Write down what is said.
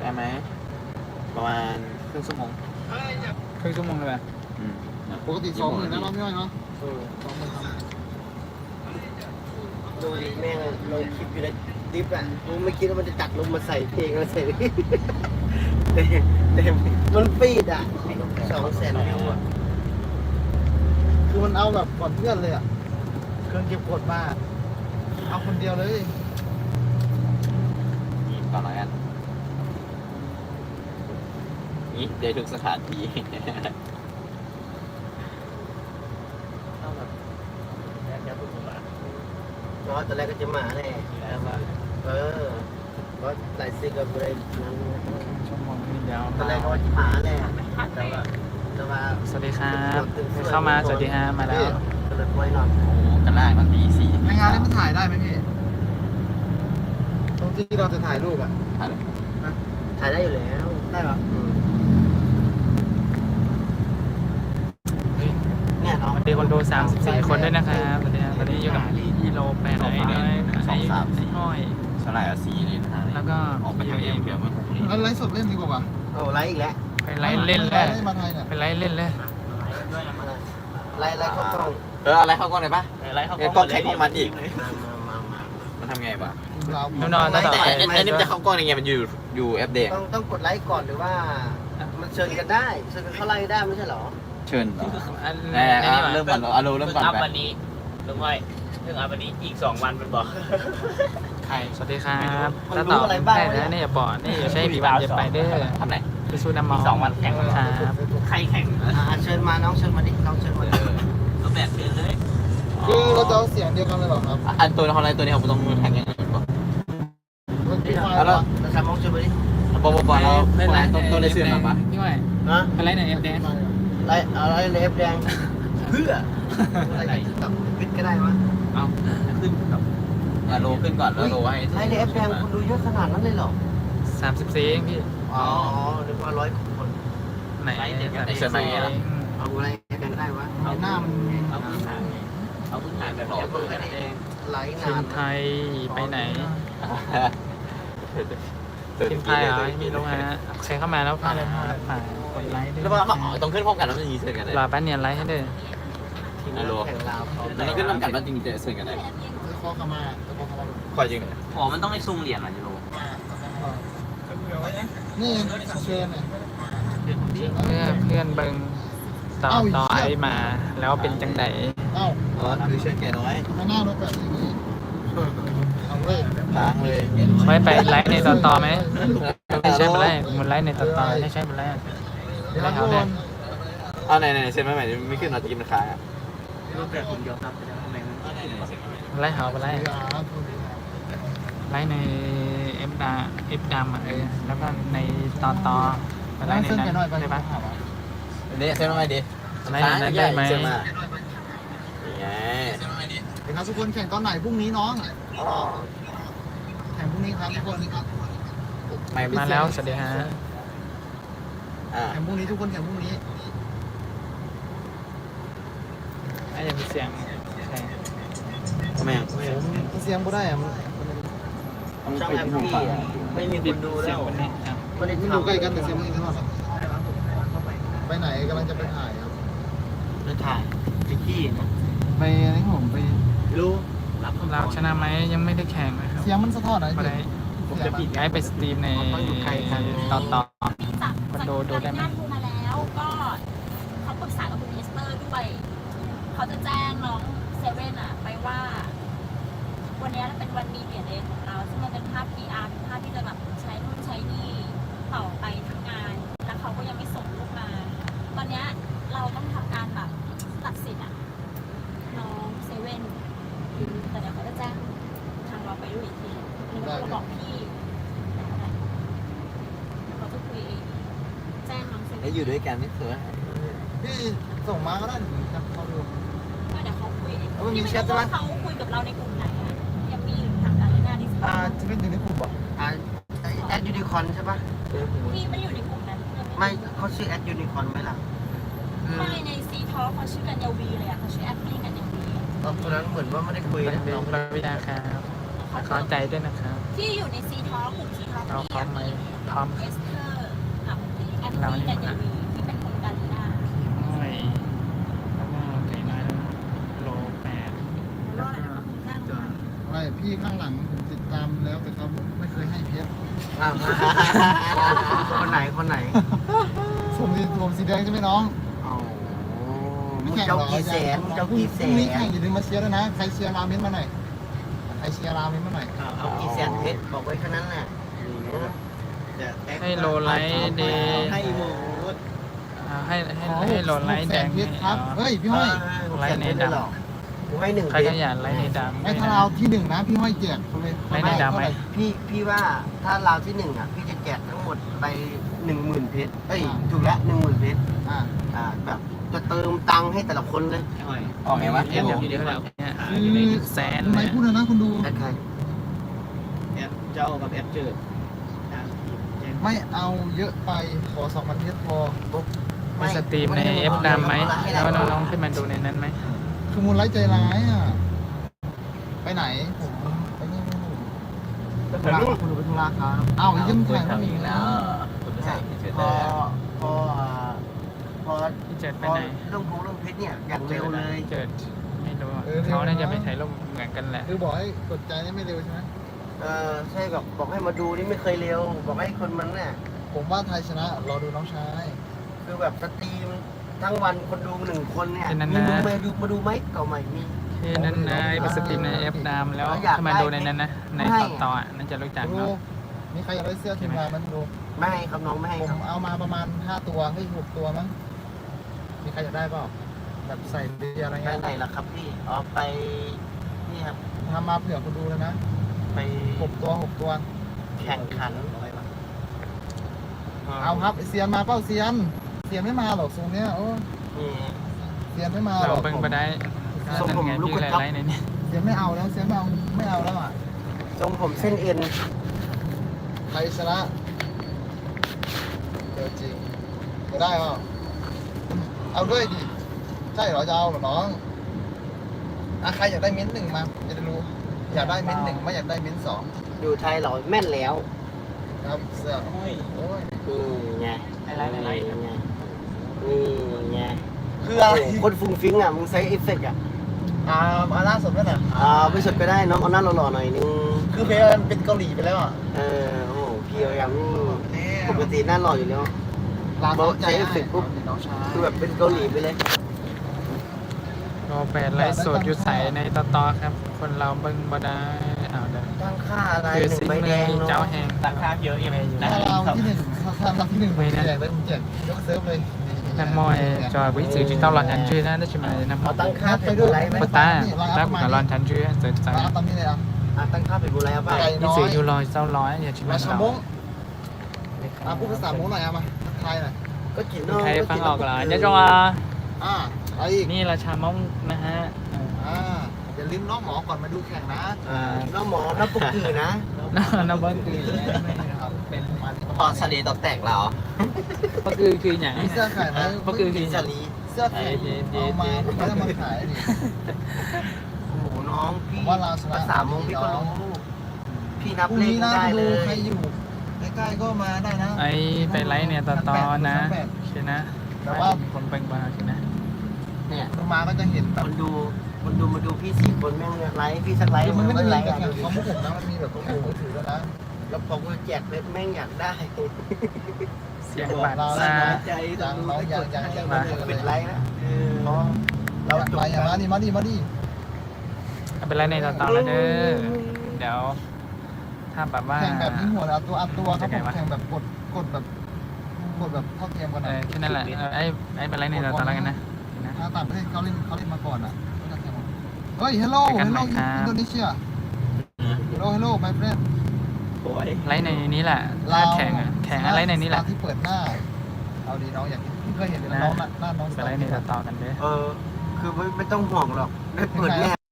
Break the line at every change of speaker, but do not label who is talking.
ได้ไหมประมาณครึ่งชั่วโมง
ครึ่งชั่วโมงเลยป่ะ
ปกติ20,000นะรอบย่อยเนาะ20,000ครับ
ดูดิแม่งลงคลิปอยู่ในดิฟอ่ะกูไม่คิดว่ามันจะจัดลงมาใส่เพลงมาใส่แต่มันฟีดอ่ะ200,000 วิวอ่ะ
คือมันเอาแบบก่อนเพื่อนเลยอ่ะเครื่องเก็บกดมาเอาคนเดียวเลย
ก่อนหน่อยกันนี่ได้ทุกสถานที่
เนาะตอนแรกก็จะมาแน่เออก็หลายสิ่งกับอะไรนั้น
ชั่วโมงนิดเดียว
ตอนแรกก็ว่าจะมาแน่แต่ว่า
สวัสดีครับเข้ามาสวัสดีฮะมาแล้ว
ก็เลยปล่อยนอน
โอ้กันได้มันตีสี่
ในงานนี้มันถ่ายได้ไหมพี่ตรงที่เราจะถ่ายรูปอ่ะ
ถ่ายได้อยู่แล้ว
ได้ปะ
เนี่ยน้อง
สวัสดีคนดู34 คนด้วยนะครับสวัสดีครับวันนี้อยู่กับพี่โลแปดไหนด้วยไอ้ห้อย
เท่าไหร่อ่ะ4 เลยนะ
แล้วก็
ออกไปเองเดี๋ยวมัน
แล้วไลฟ์สดเล่นดีกว่า
โอ้ไลฟ์อีกแล้ว
ไปไล่เล่นเลย
มาไทยเนี่ย
ไปไล่เล่นเลย
ไลฟ์เข้ากล้อง
อะไรเข้ากล้องเลยปะกล้องใครกล้องมันอีก
มา
มันทำไงปะ
เรา
ดูนอนต่อไป
อันนี้มันจะเข้ากล้องยังไงมันอยู่แอปเดต
ต้องกดไลค์ก่อนหรือว่า มันเชิญกันได้เชิญกันเข้าไลฟ์ได้ไม่ใช่เหรอ
เชิญเหรอ
อัน
แน่
นี้
เริ่มก่อนเอาเริ่มก่อน
อัพ
ไป
วันนี้ลุงอ้อยเพิ่งอัพวันนี้อีก2 วันเป็นบอก
ใครสวัสดีครับถ้าตอบได้แล้วนี่อย่าบอกนี่อย่าใช่ผีบานอย่าไปเด้อ
ทำไหน
ไปสู้น้ำมอง
2 วันแข่ง
ครับ
ใครแข่ง
เชิญมาน้องเชิญมาดิน้องเชิญมา
ก็แบบเดินเลย
คือเราจะเอาเสียงเดียวกันเลยเหรอครับ
อันตัวอะไรตัวนี้ผมต้องแข่งยังไงก่อน
มันเป็นไฟ
แล้ว
ล์
นะครับน้องเชิญมาดิ
ปปเราตัวในเสื้อมาปะ
พี่ห้อย
นะ
ไปไล่ไหนเอฟแดง
ไลฟ์อะไรเลฟแดงเพื่ออะไรกับวิทย์ก็ได้มั้ย
เอา
ขึ้นกับ
โลขึ้นก่อนแล้วโลให้
ไลฟ์เลฟแดงคุณดูเยอะขนาดนั้นเลยเหรอ
34เองพี่
อ๋อนึกว่า100 คน
ไหน
เอาอะไรกันได้วะ
เอาหน้ามัน
เอาพื้นฐานเอาพื้นฐานแบบนี้
ไลฟ์
ที
งาน
มไทยไปไหนทีมไทยเหรอมีลงฮะใครเข้ามาแล้วผ่านกดไลค์ด้วย
แล้วว่าต้องขึ้นพร้อมกันแล้วมันยิงเสื้อกันเลย
รอแป๊บเนียนไลค์ให้ด้วย
ทีมแข่งลาวเขา
แล้วขึ้นพร้อมกันแล้วจริงเสื้อกันเลย
จะคอเข้ามาจะคอเข้ามา
คอยจริง
อ๋อมันต้องให้ซุ่มเหรียญเหรอจิโร่
นี่เชนเนี่ย
เพื่อนเบิงต่อไอ้มาแล้วเป็นจังได
เอ้า
อ๋อคือเชิญแกน้อย
ทำไมหน้ารถแบบนี้เอาเว้ย
ค้างเลย
ไว้ไปไลค์ในต่อไหมไม่ใช่มาไลค์มันไลค์ในต่อไม่ใช่มาไลค์ไลค์เขาเนี่ย
เอาไหนเซ็นมาใหม่ไม่ขึ้นเราจะกินมันค้างอ่ะ
รูปแบบผมยอมรับไปแล้วทำไมมันไม่ขึ้นมา
ไลค์เขาไปไลค์ไลค์ในเอฟดำแล้วก็ในต่อมาไลค์ในนั้นได้ปะ
นี่เซ็นมาใหม่ดิเซ็นมานี่ไง
เดี๋ยวครับทุกคนแข่งตอนไหนพรุ่งนี้น้องแข่งพรุ่งนี้ครับทุกคน
มาแล้วสวัสดีฮะ
แข่งพรุ่งนี้ทุกคนแข่งพรุ่งนี้
ไอ้ยังมีเสียงใช่
ทำไม
ผมเสียงบ่ได้อะมัน
ช่องแอมพีไม่มีคนดู
เสี
แล้
ยง
ว
วันนี้ครับ
ไม่ได้
มันอยู่ใกล้กันแต่เสียงมันเท่าไหร่ไปไหนกำลังจะไปถ่ายครับ
จะถ่ายไปขี้นะ
ไปอะไรของผมไป
รู้
เราชนะไหมยังไม่ได้แข่งนะครับ
เสียงมันสะท้อนอะไร
มาได้ผมจะปิดไลฟ์ไปสตรีมในต่อคนดูได้ไหม
โทรมาแล้วก็เขาปรึกษากับคุณเอสเตอร์ด้วยเขาจะแจ้งน้องเซเว่นอะไปว่า วันนี้เป็นวันมีเดียเดย์ของเราซึ่งมันเป็นภาพ PR เป็นภาพที่จะแบบใช้นู่นใช้นี่ต่อไปทั้งงาน แล้วเขาก็ยังไม่ส่งรูปมาตอนนี้เราต้องทำการแบบตัดสินอะน้องเซเว่นแต่เดี๋ยวเขาจะแจ้งทางเราไปด้วยอีกทีนึงเราก็บอกพี่เขาจะคุยเองแจ้งน้องเซเว่น
แล้วอยู่ด้วยกันไม่เคย
พี่ส่งมาก็ได้ครับเขาดู
เดี๋ยวเขาคุยเอง
แล้วมันมีแชทใช่ไหม
เขาคุยกับเราในกลุ่มไหนอะยังมีอยู่ทางการหน้าดิสคอร์ด
จะเป็นอยู่ในกลุ่มป่ะ
แอดยูนิคอนใช่ปะ
พี่ไม่ได้อยู่ในกลุ่มนั้น
ไม่เขาชื่อแอดยูนิคอนไหมล่ะ
ไม่ในซีทอเขาชื่อกันยาวีเลยอะเขาชื่อแอดมินกันยาวี
ตอนนั้นเหมือนว่าไม่ได้คุย
เป็น
นะ
พระวิดาครับ
เขา
ขอใจด้วยนะครับ
ที่อยู่ในซีท็อกกลุ่มซีท็อก
เราพร้อมไหมพร้อม
เอสเธอร์กับแอนนี่กับเจมีที่เป็นคนกันหน้า
อ้อยแล้วก็ไก่น้อยโล8
รอดอะไรนั่งมา
ไม่พี่ข้างหลังผมติดตามแล้วแต่เขาไม่เคยให้เพชร
อ่ะคนไหนคนไหน
ผมสีแดงใช่ไหมน้อง
โอ้มึงเจ้ากี่แสนมึงเจ้ากี่แส
พรุ่งนี้แข่ง
น
อย่าลืมมาเชียร์ด้วยนะใครเชียร์ราเมนมาหน่อยใครเชียร์ราเมนมาหน่อย
เอากี่แสนเพชรบอกไว้แค่นั้นแหละ
ให้โลไลท์เดย์
ให้โหมด
ให้โลไลท์แดง
เพชรครับเฮ้ยพี่ห้อย
ไลท์ในดำ
กูให้หนึ่ง
ใคร
เพ
ก็
ชร
อยากไลท์ในดำ
ไอ้ถ้าเราที่หนึ่งนะพี่ห้อยแจกเลย
ไลท์ในดำไหม
พี่ว่าถ้าเราที่หนึ่งอ่ะพี่จะแจกทั้งหมดไป10,000เพชรเอ้ยถูกแล้ว10,000เพชร
อ่า
แบบจะเติมตังค์ให้แต่ละคนเลย
หน่อย
ออกไงวะ
เดี๋ยวเดี๋ยวเนี่ย
คือ
อยู่ใน100,000
ทำไมพูดนะคุณดู
แอดใคร
แอปเจ้ากับแอปเจิด
ไม่เอาเยอะไปขอ2,000เพชรพอ
มีสตรีมใน F ดำไหมแล้วน้องๆขึ้นมาดูในนั้นไหม
คือมูลไลท์ใจร้ายอ่ะไปไหนผมไปนี่ไม่รู้ไปธุระคุณดูไปธุระครับอ้าวยัง
คุย
ถ่าย
ทำ
ไม่
อี
มี
ก
แล้
แล้ว วคุณใส่เฉย
พอพอพอ
พี่เจิด
พ
ไป
อ
ไหน
เรื่องเพชรเนี่ยอย่างเร็วเลย
เจิดไม่รู้อะเขาน่าจะไปถ่ายรูปเหมือนกันแหละ
คือบอกให้กดใจนี่ไม่เร็วใช่ไหม
ใช่แบบบอกให้มาดูนี่ไม่เคยเร็ว บอกให้คนมันเนี่ย
ผมว่าไทยชนะรอดูน้องชาย
คือแบบสตรีมทั้งวันคนดู1 คนเนี่ย
แค่นั้น
มี
นะ
มาดูไหมก็ไม่มี
ที่นั้นนะไอ้ไปสตรีมใน F ดำแล้วถ้ามาดูในนั้นนะในต่อๆอ่ะน่าจะรู้จัก
ดู
เนาะ
มีใครอยากได้เสื้อทีมงานมันดู
ไม่ให้ครับน้องไม่ให้
ผ
ครั
ม
บ
เอามาประมาณ5ตัวให้6ตัวมั้งมีใครอยากได้เปล่าแบบใส่เบียร์อะไร
ไป
เงี้ย
ไหนล่ะครับพี่อ๋อไปนี่ครับ
ทำมาเผื่อคุณดูเลยนะ
ไป
6ตัว6ตัว
แข่งขัน
เอาครับเซียนมาเปล่าเซียนไม่มาหรอกทรงเนี้ยโอ้
นี่
เซียนไม่มาหร
เรา
อก
เบิ่งไปได้นั่นไงพี่เลยไลน์ในนี้
เซียนไม่เอาแล้วเซียนไม่เอาแล้วอ่ะ
ทรงผมเส้นเอ็น
ไทยชนะเจอจริงจะได้เปล่าเอาด้วยดิใช่เหรอจะเอาเหรอน้องใครอยากได้เม้นต์1มาจะได้รู้อยากได้เม้นต์1ไม่อยากได้เม้นต์2
อยู่ไทยเหรอแม่นแล้ว
ครับเสื้อ
โอ้ย
โอ้ย
นี่ไง
อะไรอะไร
นี่ไงนี่ไง
คืออะไร
คนฟุ้งฟิ้งอ่ะมึงใช้เอฟเฟกต์อ่ะ
มาล่าสุดนั่นน่ะ
ไม่สุดก็ได้น้องเอาหน้าหล่อๆหน่อยนึง
คือเพลงมันเป็นเกาหลีไปแล้วอ่ะ
โอ้โหพี่เอาอย่างนี้ปกติหน้าหล่ออยู่แล้ว
ร้าน
บอกใช้เอฟเฟกต์ปุ๊บ
น้องชาย
คือแบบเป็นเกาหลีไปเลย
โล8ไลฟ์สดอยู่ใส่ในต่อๆครับ คนเราเบิ่งบ่ได้เอาเด้อ
ตั้งค่าอะไร
คือ
หนึ่
ซิ
ง
ง
ใบ
เล
แด
ย
งเนาะ
เจ้าแหง
ราคาเยอะเอ็ม
ถ้าเราที่หนึ่งถ้าเราที่หนึ่งผมแจกเลยผมแจกยกเซิร์ฟเลย
นักมวยจอยวิสือจิตตลอดทันชื่อนะได้ใช่ไหมนักม
เอา
วย
ตั้งค่าเป็นบุไรไหม
ปตาแล้วก็รอนทันชื่อเสร็จใจ
มาตามนี้เลยอ่ะ
ตั้งค่าเป็นบุไรเอาป่ะ
ไก่
วิ
น้อ
สือย อยู่รอยเจ้าร้อยอย่าชิม
มา
มัน
ชา
เรา
มงพูดภาษามงหน่อยเอามาทักทายหน่อย
ก็กินเนาะ
ใครฟังออกเหรอเนี่ยจงอ่ะ
อะไรอีก
นี่ราชามงนะฮะ
อย่าลืมน้องหมอก่อนมาดูแข่งนะ
น้องหมอน้องปุกกือนะ
น้ำบอลคือ
เป็นมา
ๆตอนสลีตอกแตกเหรอ
ก็คืออย่าง
มีเสื้อขายไหม
ก็คือ
กินสลี
เสื้อแข่งเอามาไม่ได้มาขายดิ
โอ้โหน้องพี่
ว่าเราชนะ
ภาษามงพี่ก็รู้พี่นับ
พรุ่ง
เลข
นี้นะ
ได้เล
ดู
ย
ใครอยู่ใกล้ๆก็มาได้นะ
ไอ้ไปไลฟ์เนี่ยต่อๆนะโอเคนะแต่ว่าคนเป็นบ้าใช่ไหม
เนี่ย
ดูมาก็จะเห็นแบ
ค
บ
นดูมาดูพี่4 คนแม่งไลฟ์พี่สักไลฟ์
มันไม่ได้มี
ไล
แต่
ฟ์
แข่งเขาไม่ผมนะมันมีแบบแข่งมือถือด้วยนะ
แล้วพอกูแจกเพชรแม่งอยากได้
เสียงบาด
เรา
ซา
ใจ
ยังน้องยัง
มา
เป็นไลฟ์นะ
เราจบอย่างมาดิมาดิ
ไปไลฟ์ในต่อๆแล้วเด้อเดี๋ยวถ้าแบบว่า
แข่งแบบยิงหัวเอาตัวครับผมแข่งแบบกดแบบเข้าเกมกัน
แค่นั้นแหละไอ้ไปไลฟ์ในต่อๆแล้วกันนะ
ถ้าต่างประเทศเขาเล่นมาก่อนอ่ะเฮ้ย hello อินโดนีเซีย hello my friend
สวย
ไลฟ์ในนี้แหละถ้าแข่งอะไรในนี้แหละ
ที่เปิดหน้าเอาดีน้องอย่างที่เคยเห็นน้องหน้าน้อง
ไปไลฟ์ในต่อๆกันเด้อ
คือไม่ต้องห่วงหรอกได้เปิดแน่